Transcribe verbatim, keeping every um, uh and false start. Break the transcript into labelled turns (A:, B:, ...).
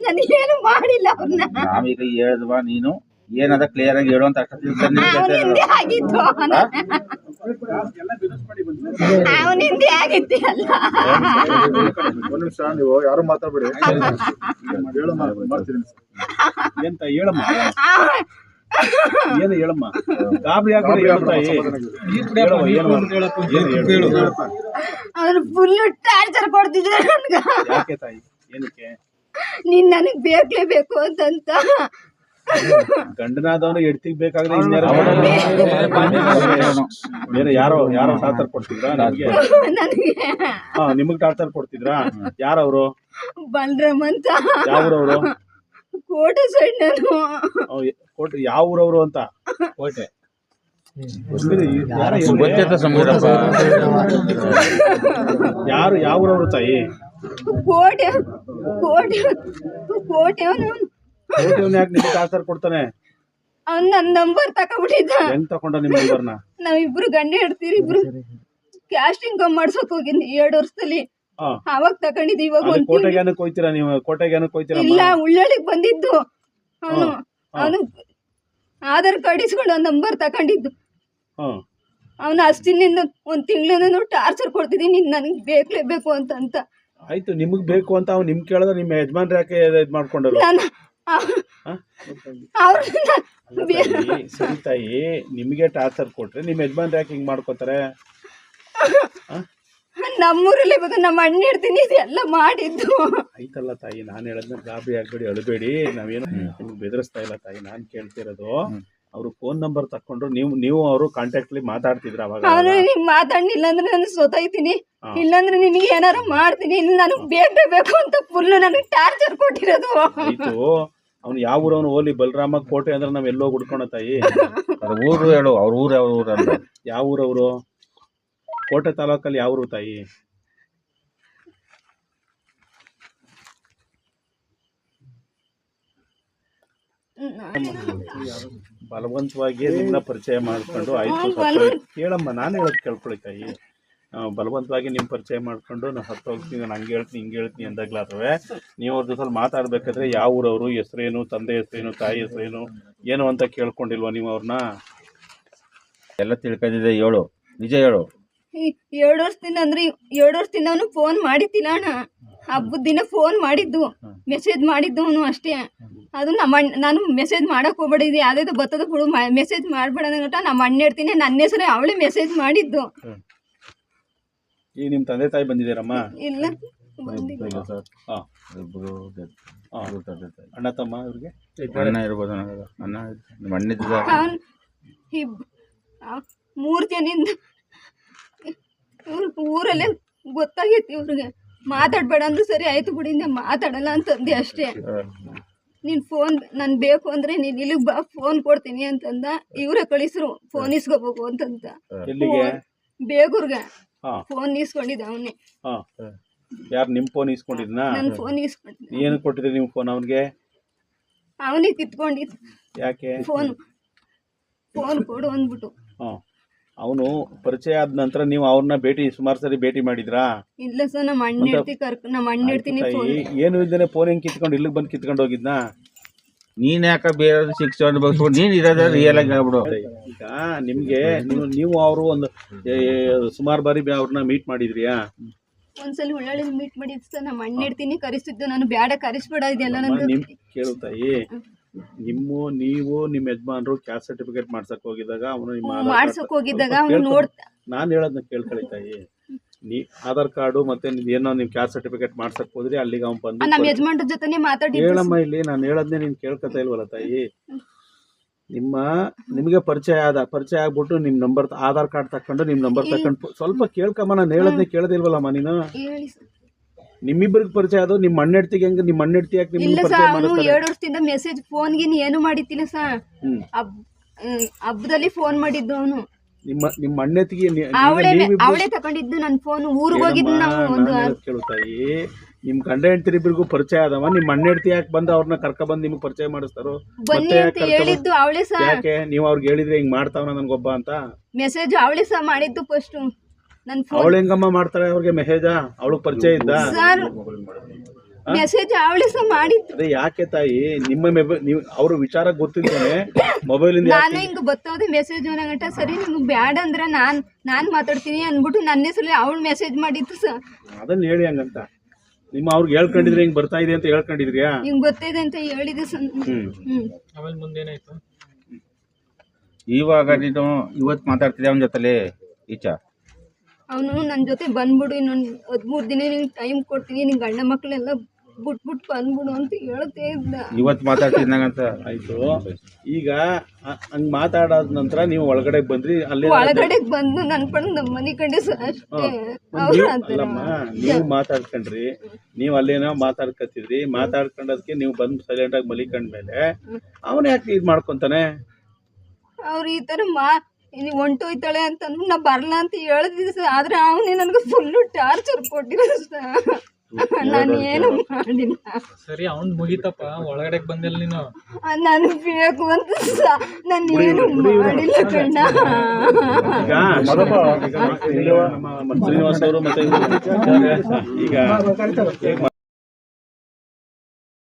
A: ನನಗೇನು ಮಾಡಿಲ್ಲ ಅವ್ರನ್ನ.
B: ನಾವೀಗ ಹೇಳಿದ್ವಾ ನೀನು ಏನದ ಕ್ಲಿಯರ್ ಆಗಿ ಹೇಳು ಅಂತ
A: ಅವನಿಂದೆ ಆಗಿತ್ತು ಅವನಿಂದೆ ಆಗಿತ್ತು ಅಲ್ಲ.
C: ಒಂದು ನಿಮಿಷ ನೀವು ಯಾರು ಮಾತಾಡ್ಬೇಡಿ. ಹೇಳು ಮಾಡ್ತೀನಿ
D: ಎಂತ ಹೇಳಮ್ಮ ಏನು ಹೇಳಮ್ಮ ಗಾಬರಿ ಆಗ್ಬಿಡಿ ಹೇಳ್ತಾಯಿ
A: ಅವ್ರು ಫುಲ್ ಟಾರ್ಚರ್ ಕೊಡ್ತಿದ್ರು ನನ್ಗ.
D: ಯಾಕೆ ತಾಯಿ ಏನಕ್ಕೆ
A: ನೀನ್ ನನಗ್ ಬೇಕೇಬೇಕು ಅಂತಂತ
D: ಗಂಡನಾದವನು ಎಡ್ತಿಗ್ ಬೇಕಾದ್ರೆ ಇನ್ಯಾರ ಬೇರೆ ಯಾರೋ ಯಾರೋ ಟಾರ್ಚರ್ ಕೊಡ್ತಿದ್ರಾ ನನಗೆ?
A: ನನಗೆ
D: ಹಾ ನಿಮಗ್ ಟಾರ್ಚರ್ ಕೊಡ್ತಿದ್ರಾ? ಯಾರವ್ರು?
A: ಬಲರಾಮ್ ಅಂತ.
D: ಯಾವ್ರವ್ರು?
A: ಕೋಟೆ ಸೈಡ್ ನಾನು.
D: ಕೋಟೆ ಯಾವ ಊರವ್ರು ಅಂತ? ಕೋಟೆ ಯಾರು ಯಾವ ಊರವ್ರು ತಾಯಿ?
A: ಕೋಟೆ ಕೋಟೆ ಕೋಟೆ ಅವನು
D: ಕೋಟೆವ್ನ ಯಾಕೆ ನಿಮ್ಗೆ ಟಾರ್ಚರ್ ಕೊಡ್ತಾನೆ?
A: ಅವ್ನ್ ನನ್ ನಂಬರ್ ತಕೊಂಡ್ಬಿಟ್ಟಿದ್ದ.
D: ಹೆಂಗ್ ತಕೊಂಡ ನಿಮ್ ನಂಬರ್ನ?
A: ನಾವಿಬ್ರು ಗಂಡ ಹೇಳ್ತೀರಿ ಇಬ್ರು ಕ್ಯಾಸ್ಟಿಂಗ್ ಮಾಡ್ಸಕ್ ಹೋಗಿದ್ನಿ ಎರಡು ವರ್ಷದಲ್ಲಿ. ಅವಾಗ ತಕೊಂಡಿದ್ದು. ಇವಾಗ ಒಂದ್
D: ಕೋಟೆಗೆ ಏನಕ್ಕೆ ಹೋಯ್ತೀರಾ ನೀವು? ಕೋಟೆಗೆ ಏನಕ್ಕೆ ಹೋಯ್ತೀರಾ?
A: ಇಲ್ಲ ಉಳ್ಳಳಿಗ್ ಬಂದಿದ್ದು ಅವನು. ಅವನು ಆಧಾರ್ ಕಾರ್ಡ್ ಇಸ್ಕೊಂಡು ಒಂದ್ ನಂಬರ್ ತಕೊಂಡಿದ್ದು. ಅವನು ಅಷ್ಟಿನಿಂದ ಒಂದ್ ತಿಂಗಳಿಂದ ಟಾರ್ಚರ್ ಕೊಡ್ತಿದ್ದೀನಿ ನೀನ್ ನನಗ್ ಬೇಕೇಬೇಕು ಅಂತ ಅಂತ.
D: ಆಯ್ತು ನಿಮಗ್ ಬೇಕು ಅಂತ ಅವ್ನು ನಿಮ್ ಕೇಳಿದ್ರೆ ನಿಮ್ಮ ಯಜಮಾನ್ರ ಯಾಕೆ ಇದ್ ಮಾಡ್ಕೊಂಡರು? ಸರಿ ತಾಯಿ, ನಿಮ್ಗೆ ಟಾರ್ಚರ್ ಕೊಟ್ರೆ ನಿಮ್ ಯಜಮಾನ್ರ ಯಾಕೆ ಹಿಂಗ್ ಮಾಡ್ಕೋತಾರೆ?
A: ನಮ್ಮೂರಲ್ಲಿ ಇವಾಗ ನಮ್ಮ ಅಣ್ಣ ಇರ್ತೀನಿ ಇದೆಲ್ಲ ಮಾಡಿದ್ದು.
D: ಆಯ್ತಲ್ಲ ತಾಯಿ, ನಾನ್ ಹೇಳದ್ನ ಗಾಬರಿ ಆಗ್ಬೇಡಿ, ಅಳಬೇಡಿ. ನಾವೇನು ನಿಮ್ಗೆ ಬೆದರಿಸ್ತಾ ಇಲ್ಲ ತಾಯಿ. ನಾನ್ ಕೇಳ್ತಿರೋದು ಅವ್ರು ಫೋನ್ ನಂಬರ್ ತಕೊಂಡ್ರು, ನೀವು ನೀವು ಅವರು ಕಾಂಟ್ಯಾಕ್ಟ್ ಅಲ್ಲಿ ಮಾತಾಡ್ತಿದ್ರ ಅವಾಗ?
A: ಅವ್ರು ನಿಮ್ ಮಾತಾಡ್ಲಿಲ್ಲ ಅಂದ್ರೆ ನಾನು ಸೋತೈತೀನಿ, ಇಲ್ಲಾಂದ್ರೆ ನಿನಗೆ ಏನಾರು ಮಾಡ್ತೀನಿ, ಇಲ್ಲ ನನಗ್ ಬೇಕು ಅಂತ ಫುಲ್ ನನಗೆ ಟಾರ್ಚರ್ ಕೊಟ್ಟಿರೋದು.
D: ಆಯ್ತು, ಅವ್ನು ಯಾವ ಊರವನು? ಓಲಿ ಬಲರಾಮ ಕೋಟೆ ಅಂದ್ರೆ ನಾವ್ ಎಲ್ಲೋ ಹುಡ್ಕೋಣ ತಾಯಿ.
B: ಊರು ಹೇಳು, ಅವ್ರ ಊರು ಯಾವ ಊರು ಅಂತ?
D: ಯಾವ ಊರವರು? ಕೋಟೆ ತಾಲೂಕಲ್ಲಿ ಯಾವ ಊರು ತಾಯಿ? ಬಲವಂತವಾಗಿ ನಿಮ್ನ ಪರಿಚಯ ಮಾಡ್ಕೊಂಡು ಆಯ್ತು ಕೇಳಮ್ಮ, ನಾನು ಹೇಳೋದು ಕೇಳ್ಕೊಳ್ಳಿ ತಾಯಿ. ಬಲವಂತವಾಗಿ ನಿಮ್ ಪರಿಚಯ ಮಾಡ್ಕೊಂಡು ನಾವು ಹತ್ತು ಹೋಗ್ತೀನಿ, ನಾನು ಹಂಗೆ ಹೇಳ್ತೀನಿ ಹಿಂಗೆ ಹೇಳ್ತೀನಿ ಅಂದಾಗ್ಲಾದ್ರೆ ನೀವು ಅವ್ರ ಜೊತೆ ಮಾತಾಡ್ಬೇಕಾದ್ರೆ ಯಾವ ಊರವರು, ಹೆಸರೇನು, ತಂದೆ ಹೆಸರೇನು, ತಾಯಿ ಹೆಸರೇನು ಏನು ಅಂತ ಕೇಳ್ಕೊಂಡಿಲ್ವಾ ನೀವು ಅವ್ರನ್ನ?
B: ಎಲ್ಲ ತಿಳ್ಕೊಂಡಿದ್ದೆ, ಹೇಳು, ನಿಜ ಹೇಳು.
A: ಎರಡು ವರ್ಷದಿಂದ ಅಂದ್ರೆ ಎರಡು ವರ್ಷದಿಂದ ಅವನು ಫೋನ್ ಮಾಡಿದ್ದಿಲ್ಲ ಅಣ್ಣ. ಹಬ್ಬದ ದಿನ ಫೋನ್ ಮಾಡಿದ್ದು, ಮೆಸೇಜ್ ಮಾಡಿದ್ದು ಅವನು ಅಷ್ಟೇ. ಅದು ನಮ್ಮ ಅಣ್ಣ, ನಾನು ಮೆಸೇಜ್ ಮಾಡಕ್ ಹೋಗ್ಬೇಡಿದ್ದೆ, ಯಾವ್ದಾದ್ರು ಬರ್ತದ ಬಿಡು, ಮೆಸೇಜ್ ಮಾಡ್ಬೇಡ ಗಂಟ ನಮ್ಮ ಅಣ್ಣ ಇರ್ತೀನಿ, ನನ್ನ ಹೆಸರೇ ಅವಳೇ ಮೆಸೇಜ್ ಮಾಡಿದ್ದು.
D: ಈಗ ನಿಮ್ ತಂದೆ ತಾಯಿ ಬಂದಿದ್ದೀರಮ್ಮ?
A: ಇಲ್ಲ,
D: ಅಣ್ಣ ತಮ್ಮ ಇವ್ರಿಗೆ?
B: ಅಣ್ಣ ಇರ್ಬೋದು, ಅಣ್ಣ ನಿಮ್ಮ ಅಣ್ಣಿದ್ದ
A: ಮೂರ್ ಜನಿಂದ ಊರಲ್ಲೇ ಗೊತ್ತಾಗೈತಿ ಇವ್ರಿಗೆ. ಮಾತಾಡ್ಬೇಡ ಅಂದ್ರೆ ಸರಿ ಆಯ್ತು ಬಿಡಿಂದ ಮಾತಾಡಲ್ಲ ಅಂತಂದೆ ಅಷ್ಟೇ. ನೀನ್ ಫೋನ್ ನನ್ ಬೇಕು ಅಂದ್ರೆ ನೀನ್ ಇಲ್ಲಿಗೆ ಬಾ, ಫೋನ್ ಕೊಡ್ತೀನಿ ಅಂತಂದ. ಇವರೇ ಕಳಿಸ್ರು ಫೋನ್ ಇಸ್ಕೋಬೇಕು ಅಂತಂತ. ಬೇಗೂರ್ಗ ಫೋನ್ ಇಸ್ಕೊಂಡಿದ್ದ ಅವನೇ.
D: ಯಾರು ನಿಮ್ ಫೋನ್ ಇಸ್ಕೊಂಡಿದ್ನಾ?
A: ನನ್ ಫೋನ್ ಇಸ್ಕೊಂಡಿದ್ದ.
D: ಏನು ಕೊಟ್ಟಿದ್ರಿ ನಿಮ್ ಫೋನ್ ಅವನಿಗೆ?
A: ಅವನಿಗೆ ಕಿತ್ಕೊಂಡಿದ್.
D: ಯಾಕೆ?
A: ಫೋನ್ ಫೋನ್ ಕೊಡು ಅಂದ್ಬಿಟ್ಟು.
D: ಅವನು ಪರಿಚಯ ಆದ ನಂತರ ನೀವು ಅವ್ರನ್ನ ಭೇಟಿ ಸುಮಾರು ಸರಿ ಭೇಟಿ ಮಾಡಿದ್ರಾ?
A: ಇಲ್ಲ ಸರ್, ನಮ್ಮ ಅಣ್ಣ ಇರ್ತಿ ಕರ್ಕ ನಮ್ಮ ಅಣ್ಣ ಇರ್ತೀನಿ.
D: ಏನು ಇದ್ದಾನೆ ಫೋನ್ ಹೆಂಗ್ ಕಿತ್ಕೊಂಡು ಇಲ್ಲಿಗೆ ಬಂದು ಕಿತ್ಕೊಂಡು ಹೋಗಿದ್ನಾ?
B: ನೀನ್ ಯಾಕ ಬೇರೆ ಶಿಕ್ಷೆ ಅನುಭವಿಸ್ಬಿಟ್ಟು ನೀನ್ ಇರೋದ ರಿಯಲ್ ಆಗಿ ಆಗ್ಬಿಡು.
D: ಈಗ ನಿಮ್ಗೆ ನೀವು ನೀವು ಅವರು ಒಂದು ಸುಮಾರು ಬಾರಿ ಅವ್ರನ್ನ ಮೀಟ್ ಮಾಡಿದ್ರಿಯಾ?
A: ಒಂದ್ಸಲ ಉಳ್ಳಾಳಿ ಮೀಟ್ ಮಾಡಿದ್ ಸರ್. ನಮ್ಮ ಅಣ್ಣ ಇರ್ತೀನಿ ಕರೆಸಿದ್ದು, ನಾನು ಬ್ಯಾಡ ಕರೆಸ್ಬೇಡ ಇದೆಲ್ಲ ನನ್ಗೆ
D: ಕೇಳುತ್ತಾಯಿ. ನಿಮ್ಮ ನೀವು ನಿಮ್ಮ ಯಜಮಾನ್ರು ಕ್ಯಾಸ್ಟ್ ಸರ್ಟಿಫಿಕೇಟ್ ಮಾಡ್ಸಕ್ ಹೋಗಿದ್ದಾಗ ಅವನು ನಿಮ್ಮ
A: ಮಾಡ್ಸಕ್ ಹೋಗಿದ್ದಾಗ ಅವನು ನೋಡ್ತಾ,
D: ನಾನು ಹೇಳೋದನ್ನ ಕೇಳ್ಕೊಳ್ಳಿ ತಾಯಿ. ನೀ ಆಧಾರ್ ಕಾರ್ಡು ಮತ್ತೆ ಏನೋ ನೀವು ಕ್ಯಾಸ್ಟ್ ಸರ್ಟಿಫಿಕೇಟ್ ಮಾಡ್ಸಕ್ ಹೋದ್ರಿ, ಅಲ್ಲಿಗೆ ಅವ್ನು ಬಂದು
A: ನಮ್ಮ ಯಜಮಾನ್ರ ಜೊತೆನೆ ಮಾತಾಡಿ.
D: ಹೇಳಮ್ಮ, ಇಲ್ಲಿ ನಾನು ಹೇಳೋದನ್ನೇ ನೀನ್ ಕೇಳ್ಕೊತಾ ಇಲ್ವಲ್ಲ ತಾಯಿ. ನಿಮ್ಮ ನಿಮಗೆ ಪರಿಚಯ ಆದ ಪರಿಚಯ ಆಗ್ಬಿಟ್ಟು ನಿಮ್ ನಂಬರ್ ಆಧಾರ್ ಕಾರ್ಡ್ ತಕೊಂಡು ನಿಮ್ ನಂಬರ್ ತಕೊಂಡು ಸ್ವಲ್ಪ ಕೇಳ್ಕಮ್ಮ. ನಾನು ಹೇಳೋದನ್ನೇ ಕೇಳದಿಲ್ವಲ್ಲಮ್ಮ ನೀನು? ನಿಮ್ಮಿಬ್ಬರಿಗೆ ಪರಿಚಯ ಅದು ನಿಮ್ಮ ಅಣ್ಣೆಡ್ತಿಗೆ ಹೆಂಗ? ನಿಮ್ಮ ಅಣ್ಣೆಡ್ತಿ ಯಾಕೆ ನಿಮ್ಗೆ ಪರಿಚಯ ಮಾಡ್ತಾರೆ?
A: ಎರಡು ವರ್ಷದಿಂದ ಮೆಸೇಜ್ ಫೋನ್ ಗಿನ್ ಏನು ಮಾಡಿತ್ತಿಲ್ಲ ಸರ್. ಹಬ್ಬದಲ್ಲಿ ಫೋನ್ ಮಾಡಿದ್ದು ಅವನು.
D: ನಿಮ್ಮ ನಿಮ್ಮ ಅಣ್ಣೆತ್ತಿಗೆ
A: ಅವಳೇ ತಗೊಂಡಿದ್ದು ನನ್ನ ಫೋನ್. ಊರಿಗೆ ಹೋಗಿದ್ದು ನಾವು. ಒಂದು
D: ಕೇಳುತ್ತಾಯಿ, ನಿಮ್ ಗಂಡ ಹೆಂಡತಿ ಇಬ್ಬರಿಗೂ ಪರಿಚಯ ಆದವ. ನಿಮ್ಮ ಅಣ್ಣೆಡ್ತಿ ಯಾಕೆ ಬಂದು ಅವ್ರನ್ನ ಕರ್ಕ ಬಂದು ನಿಮ್ಗೆ ಪರಿಚಯ ಮಾಡಿಸ್ತಾರೋ?
A: ಬನ್ನಿ ಅಂತ ಹೇಳಿದ್ದು ಅವಳೇ ಸರ್.
D: ಯಾಕೆ ನೀವು ಅವ್ರಿಗೆ ಹೇಳಿದ್ರೆ ಹಿಂಗ್ ಮಾಡ್ತಾವ ನನ್ಗೊಬ್ಬ ಅಂತ?
A: ಮೆಸೇಜ್ ಅವಳೇ ಸರ್ ಮಾಡಿದ್ದು ಫಸ್ಟ್.
D: ಅವಳು ಹೆಂಗಮ್ಮ ಮಾಡ್ತಾಳೆ ಅವ್ರಿಗೆ ಮೆಸೇಜ? ಅವಳು ಪರಿಚಯ ಇದ್ದ?
A: ಮೆಸೇಜ್ ಅವಳಿ ಸಹ ಮಾಡಿತ್ತು.
D: ಅದೇ ಯಾಕೆ ತಾಯಿ ನಿಮ್ಮ ಮೊಬೈಲ್ ನೀವು ಅವ್ರ ವಿಚಾರ ಗೊತ್ತಿದ್ದಾನೆ ಮೊಬೈಲಿಂದ
A: ನಾನು ಹಿಂಗ ಬತ್ತೋದೆ ಮೆಸೇಜ್ ಗಂಟ ಸರಿ ನಿಮ್ಗೆ ಬ್ಯಾಡ ಅಂದ್ರೆ ನಾನ್ ನಾನ್ ಮಾತಾಡ್ತೀನಿ ಅನ್ಬಿಟ್ಟು ನನ್ನ ಹೆಸರಲ್ಲಿ ಅವಳು ಮೆಸೇಜ್ ಮಾಡಿತ್ತು ಸರ್.
D: ಅದನ್ನ ಹೇಳಿ ಹಂಗಂತ ನಿಮ್ಮ ಅವ್ರಿಗೆ ಹೇಳ್ಕೊಂಡಿದ್ರೆ ಹಿಂಗ್ ಬರ್ತಾ ಇದೆ ಅಂತ ಹೇಳ್ಕೊಂಡಿದ್ರಿಯಾ?
A: ಹಿಂಗ್ ಗೊತ್ತಿದೆ ಅಂತ ಹೇಳಿದೆ ಸರ್.
D: ಹ್ಮ್
A: ಹ್ಮ್
E: ಆಮೇಲೆ ಮುಂದೇನಾಯ್ತು?
B: ಇವಾಗ ನೀನು ಇವತ್ತು ಮಾತಾಡ್ತಿದ್ದೆ ಅವನ ಜೊತೆಲಿ ಈಚ
A: ಅವನು ನನ್ನ ಜೊತೆ ಬಂದ್ಬಿಡು ಇನ್ನೊಂದು ಹದಿಮೂರು ದಿನ ನಿಂಗೆ ಟೈಮ್ ಕೊಡ್ತೀನಿ, ನಿನ್ ಗಂಡ ಮಕ್ಳೆಲ್ಲ ಬಿಟ್ಬಿಟ್ಟು ಬಂದ್ಬಿಡು ಅಂತ ಹೇಳ್ತೇ ಇದ್ದ.
B: ಇವತ್ತು ಮಾತಾಡ್ತಿದ್ದಂಗಂತ
D: ಆಯ್ತು. ಈಗ ಹ- ಹಂಗ್ ಮಾತಾಡಾದ ನಂತರ ನೀವು ಒಳಗಡೆ ಬಂದ್ರಿ ಅಲ್ಲೇ
A: ಒಳಗಡೆ ಬಂದು ನನ್ ಪಣ ನಮ್ಮ ಮನೆ ಕಡೆ ಸರ್ ಅಷ್ಟೇ. ಅವ್ರು
D: ನೀವು-
A: ಅಂತಾರೆ,
D: ಅಲ್ಲಮ್ಮ ನೀವು ಮಾತಾಡ್ಕೊಂಡ್ರಿ, ನೀವು ಅಲ್ಲೇನೋ ಮಾತಾಡ್ಕತ್ತಿದ್ರಿ, ಮಾತಾಡ್ಕೊಂಡದಕ್ಕೆ ನೀವು ಬಂದು ಸೈಲೆಂಟ್ ಆಗಿ ಮಲಿಕೊಂಡ್ಮೇಲೆ ಅವನ ಯಾಕೆ ಇದ್ ಮಾಡ್ಕೊಂತಾನೆ?
A: ಅವ್ರು ಈ ತರ ಮಾ ನೀವು ಹೊಂಟೋಯ್ತಾಳೆ ಅಂತ ಅಂದ್ಬಿಟ್ಟು ನಾ ಬರಲ್ಲ ಅಂತ ಹೇಳಿದ್ವಿ ಸರ್. ಆದ್ರೆ ಅವನೇ ನನಗೆ ಫುಲ್ಲು ಟಾರ್ಚರ್ ಕೊಟ್ಟಿರೋ ಸರ್. ನಾನು ಏನು ಮಾಡಿಲ್ಲ.
E: ಸರಿ ಅವ್ನ್ ಮುಗಿತಪ್ಪ, ಒಳಗಡೆ ಬಂದಿಲ್ಲ ನೀನು.
A: ನಾನು ಬೇಕು ಅಂತ ನಾನು ಏನು ಮಾಡಿಲ್ಲ ಕಣ್ಣ.
D: ಈಗ ಈಗ ನಮ್ಮ ಶ್ರೀನಿವಾಸ್ ಅವರು ಮತ್ತೆ ಇವ್ರು ಈಗ